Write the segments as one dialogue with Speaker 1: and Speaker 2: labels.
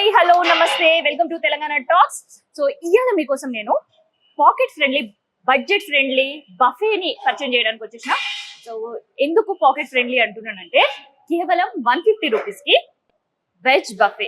Speaker 1: Hi hello namaste welcome to Telangana talks. So ఇవాళ మీకోసం నేను పాకెట్ ఫ్రెండ్లీ బడ్జెట్ ఫ్రెండ్లీ బఫేని పరిచయం చేయడానికి వచ్చేసిన. సో ఎందుకు పాకెట్ ఫ్రెండ్లీ అంటున్నానంటే కేవలం 150 రూపీస్కి వెజ్ బఫే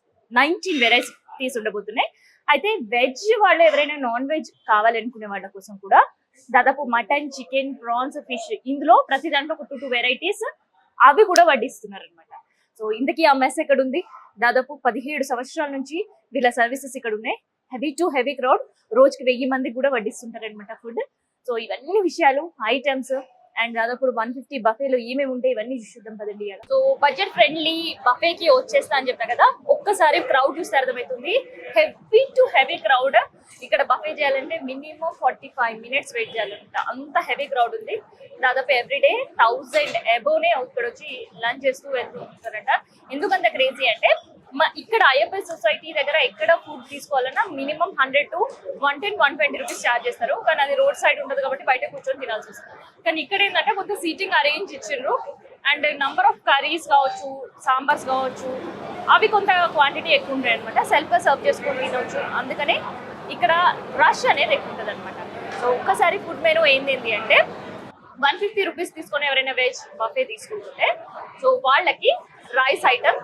Speaker 1: 19 వెరైటీస్ ఉండబోతున్నాయి. అయితే వెజ్ వాళ్ళు ఎవరైనా నాన్ వెజ్ కావాలనుకునే వాళ్ళ కోసం కూడా దాదాపు మటన్, చికెన్, ప్రాన్స్, ఫిష్ ఇందులో ప్రతి దాంట్లో ఒక 2 వెరైటీస్ అవి కూడా వడ్డిస్తున్నారు అనమాట. సో ఇంతకీ ఆ మెస్ ఎక్కడ ఉంది? దాదాపు 17 సంవత్సరాల నుంచి వీళ్ళ సర్వీసెస్ ఇక్కడ ఉన్నాయి. హెవీ టు హెవీ క్రౌడ్, రోజుకి 1000 మందికి కూడా వడ్డిస్తుంటారు అనమాట ఫుడ్. సో ఇవన్నీ విషయాలు, ఐటమ్స్ అండ్ దాదాపు 150 బఫేలో ఏమేమి ఉంటాయి ఇవన్నీ చూద్దాం పదండి. సో బడ్జెట్ ఫ్రెండ్లీ బఫేకి వచ్చేస్తా అని చెప్పా కదా, ఒక్కసారి క్రౌడ్ చూస్తే అర్థమవుతుంది. Heavy to heavy crowd. ఇక్కడ బఫే చేయాలంటే మినిమం 45 మినిట్స్ వెయిట్ చేయాలంట, అంత హెవీ క్రౌడ్ ఉంది. దాదాపు ఎవ్రీడే 1000 అబోనే ఇక్కడ వచ్చి లంచ్ చేస్తూ వెళ్తూ ఉంటారంట. ఎందుకంత క్రేజీ అంటే ఇక్కడ ఐఎఫ్ఐ సొసైటీ దగ్గర ఎక్కడ ఫుడ్ తీసుకోవాలన్నా మినిమం 100 to 110, 120 రూపీస్ ఛార్జ్ చేస్తారు. కానీ అది రోడ్ సైడ్ ఉండదు కాబట్టి బయట కూర్చొని తినాల్సి వస్తుంది. కానీ ఇక్కడ ఏంటంటే కొంత సీటింగ్ అరేంజ్ ఇచ్చిండ్రు అండ్ నంబర్ ఆఫ్ కర్రీస్ కావచ్చు, సాంబార్స్ కావచ్చు, అవి కొంత క్వాంటిటీ ఎక్కువ ఉంటాయి అనమాట. సెల్ఫ్గా సర్వ్ చేసుకొని తినవచ్చు. అందుకనే ఇక్కడ రష్ అనేది ఎక్కువ ఉంటుంది అనమాట. సో ఒక్కసారి ఫుడ్ మెనూ ఏంటి అంటే 150 రూపీస్ తీసుకొని ఎవరైనా వెజ్ బఫే తీసుకుంటుంటే సో వాళ్ళకి రైస్ ఐటమ్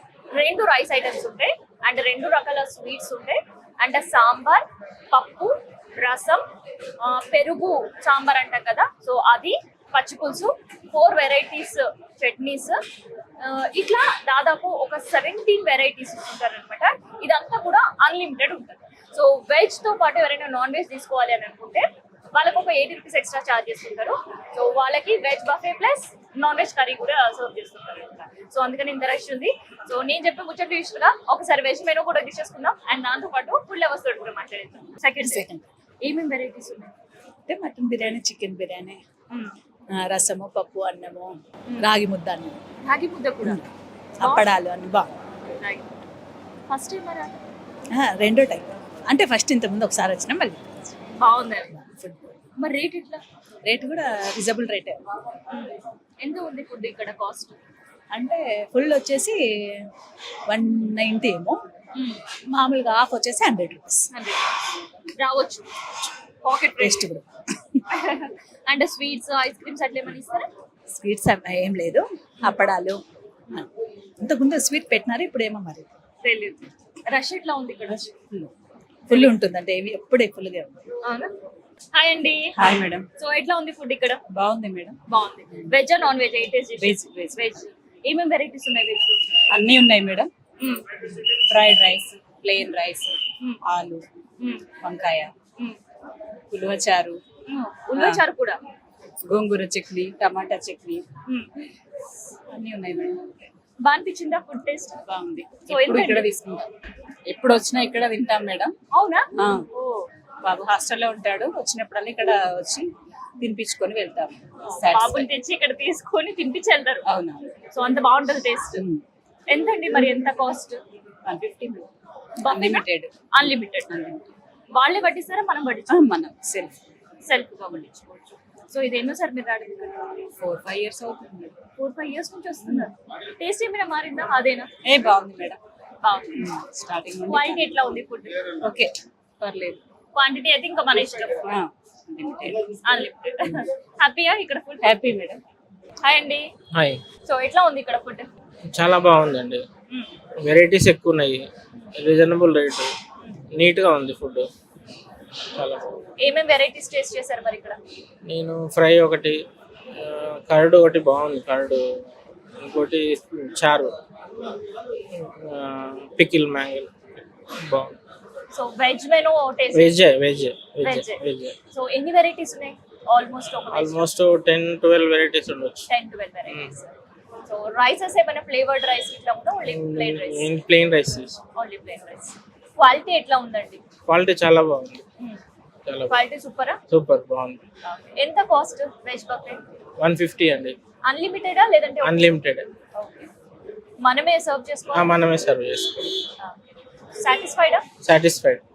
Speaker 1: 2 రైస్ ఐటమ్స్ ఉంటాయి అండ్ 2 రకాల స్వీట్స్ ఉంటాయి అండ్ సాంబార్, పప్పు, రసం, పెరుగు సాంబార్ అంటాం కదా, సో అది, పచ్చి పులుసు, 4 వెరైటీస్ చట్నీస్, ఇట్లా దాదాపు ఒక 17 వెరైటీస్ ఇస్తుంటారు అనమాట. ఇదంతా కూడా అన్లిమిటెడ్ ఉంటుంది. సో వెజ్ తో పాటు ఎవరైనా నాన్ వెజ్ తీసుకోవాలి అని అనుకుంటే వాళ్ళకి ఒక 80 రూపీస్ ఎక్స్ట్రా ఛార్జ్ చేస్తుంటారు. సో వాళ్ళకి veg buffet plus non veg curry కూడా సర్వ్ చేస్తుంటారు. సో అందుకని ఇంత రష్ ఉంది. సో నేను చెప్పే ముచ్చట్లు ఇష్టంగా ఒకసారి వెజ్ మెనూ కూడా తీసుకుందాం అండ్ దాంతో పాటు ఫుల్ అవర్స్ తోటి కూడా మాట్లాడేద్దాం. సెకండ్ ఏమేమి వెరైటీస్ ఉన్నాయి
Speaker 2: అంటే మటన్ బిర్యానీ, చికెన్ బిర్యానీ, రసము, పప్పు, అన్నము, రాగి ముద్ద, అన్నం,
Speaker 1: రాగి ముద్ద కూడా,
Speaker 2: అప్పడాలు అన్ని బాగుంది.
Speaker 1: ఫస్ట్ టైం మరి
Speaker 2: రెండో టైం అంటే ఫస్ట్ ఇంతకుముందు ఒకసారి వచ్చినా మళ్ళీ
Speaker 1: బాగుంది.
Speaker 2: ఫుడ్
Speaker 1: మరి రేట్ ఎట్లా?
Speaker 2: రేట్ కూడా రీజనబుల్ రేటే.
Speaker 1: ఎంత ఉంది ఫుడ్ ఇక్కడ కాస్ట్?
Speaker 2: అంటే ఫుల్ వచ్చేసి 190 ఏమో, మామూలుగా హాఫ్ వచ్చేసి 100 రూపీస్.
Speaker 1: రావచ్చు పాకెట్
Speaker 2: టేస్ట్ కూడా.
Speaker 1: అండ్ స్వీట్స్, ఐస్ క్రీమ్స్ అట్లా ఏమైనా ఇస్తారా?
Speaker 2: స్వీట్స్ ఏం లేదు, అప్పడాలు. ఇంతకుముందు స్వీట్ పెట్టినారు, ఇప్పుడు ఏమో మరి
Speaker 1: తెలియదు. రష్ ఎట్లా ఉంది ఇక్కడ?
Speaker 2: ఫుల్ ఉంటుంది, అంటే ఎప్పుడే ఫుల్గా ఉంది.
Speaker 1: అవునా? హాయ్ అండి.
Speaker 2: Hi madam.
Speaker 1: సో ఎట్లా ఉంది ఫుడ్ ఇక్కడ?
Speaker 2: బాగుంది మేడం.
Speaker 1: బాగుంది. Veg non veg?
Speaker 2: Veg.
Speaker 1: Veg ఏమేమి వెరైటీస్ ఉన్నాయి వెజ్?
Speaker 2: అన్నీ ఉన్నాయి madam. Fried rice, plain rice, ఆలు, వంకాయ, ఉలవచారు,
Speaker 1: ఉలవచారు కూడా,
Speaker 2: గోంగూర చట్నీ, టమాటా చట్నీ, అన్నీ ఉన్నాయి మేడం.
Speaker 1: బాగా అనిపించిందా ఫుడ్ టేస్ట్?
Speaker 2: బాగుంది. ఇక్కడ తీసుకుంటాం, ఎప్పుడు వచ్చినా ఇక్కడ తింటాం మేడం.
Speaker 1: అవునా?
Speaker 2: బాబు హాస్టల్లో ఉంటాడు, వచ్చినప్పుడల్లా ఇక్కడ వచ్చి తినిపించుకొని వెళ్తాం.
Speaker 1: బాబుని తెచ్చి ఇక్కడ తీసుకొని తినిపించి వెళ్తారు.
Speaker 2: అవునా?
Speaker 1: సో అంత బాగుంటది టేస్ట్. ఎంతండి మరి, ఎంత కాస్ట్?
Speaker 2: 150. అన్లిమిటెడ్.
Speaker 1: అన్లిమిటెడ్. వాళ్ళే పట్టిస్తారా మనం పట్టించాం?
Speaker 2: మనం సెల్ఫ్
Speaker 1: గా పట్టించుకోవచ్చు. సో ఇది ఎన్నో సార్ మీరు రావడం?
Speaker 2: 4-5 ఇయర్స్ అవుతుంది.
Speaker 1: 4-5 ఇయర్స్ నుంచి వస్తున్నారు. టేస్ట్ ఏమైనా మారిందా? అదేనా?
Speaker 2: బాగుంది మేడం,
Speaker 1: బాగుంది.
Speaker 2: స్టార్టింగ్.
Speaker 1: క్వాలిటీ ఎట్లా ఉంది ఫుడ్?
Speaker 2: ఓకే, పర్లేదు.
Speaker 1: క్వాంటిటీ అయితే ఇంకా మన ఇష్టం. అన్లిమిటెడ్. హ్యాపీయా ఇక్కడ ఫుడ్?
Speaker 2: Happy madam.
Speaker 1: హాయ్ అండి.
Speaker 3: హాయ్.
Speaker 1: సో ఎట్లా ఉంది ఇక్కడ ఫుడ్?
Speaker 3: చాలా బాగుందండి. వెరైటీస్ ఎక్కువ ఉన్నాయి, రీజనబుల్ రేట్, నీట్గా ఉంది ఫుడ్. చాలా బాగుంది.
Speaker 1: ఏమేమి వెరైటీస్ టేస్ట్ చేశారు మరి ఇక్కడ?
Speaker 3: నేను ఫ్రై ఒకటి, కర్డ్ ఒకటి బాగుంది, కర్డ్, ఇంకోటి చారు, పికిల్ మ్యాంగల్ బాగుంది.
Speaker 1: So veg menu taste?
Speaker 3: Veg.
Speaker 1: So ఎన్ని వెరైటీస్ ఉన్నాయి?
Speaker 3: ఆల్మోస్ట్ 10-12 వెరైటీస్ ఉండొచ్చు.
Speaker 1: 10-12 వెరైటీస్. సో రైసెస్ ఏమైనా ఫ్లేవర్డ్ రైస్ ఇట్లా ఉందా? Only plain rice?
Speaker 3: Plain rice.
Speaker 1: Only plain rice. Quality ఎట్లా ఉందండి?
Speaker 3: క్వాలిటీ చాలా బాగుంది. చాలా
Speaker 1: క్వాలిటీ సూపరా?
Speaker 3: సూపర్ బాగుంది.
Speaker 1: ఎంత కాస్ట్ వెజ్ బఫే?
Speaker 3: 150 అండి.
Speaker 1: అన్లిమిటెడా లేదంటే?
Speaker 3: అన్లిమిటెడ్.
Speaker 1: మనమే సర్వ్ చేసుకోవాలి?
Speaker 3: మనమే సర్వ్ చేసుకోవాలి.
Speaker 1: సాటిస్ఫైడా?
Speaker 3: సాటిస్ఫైడ్.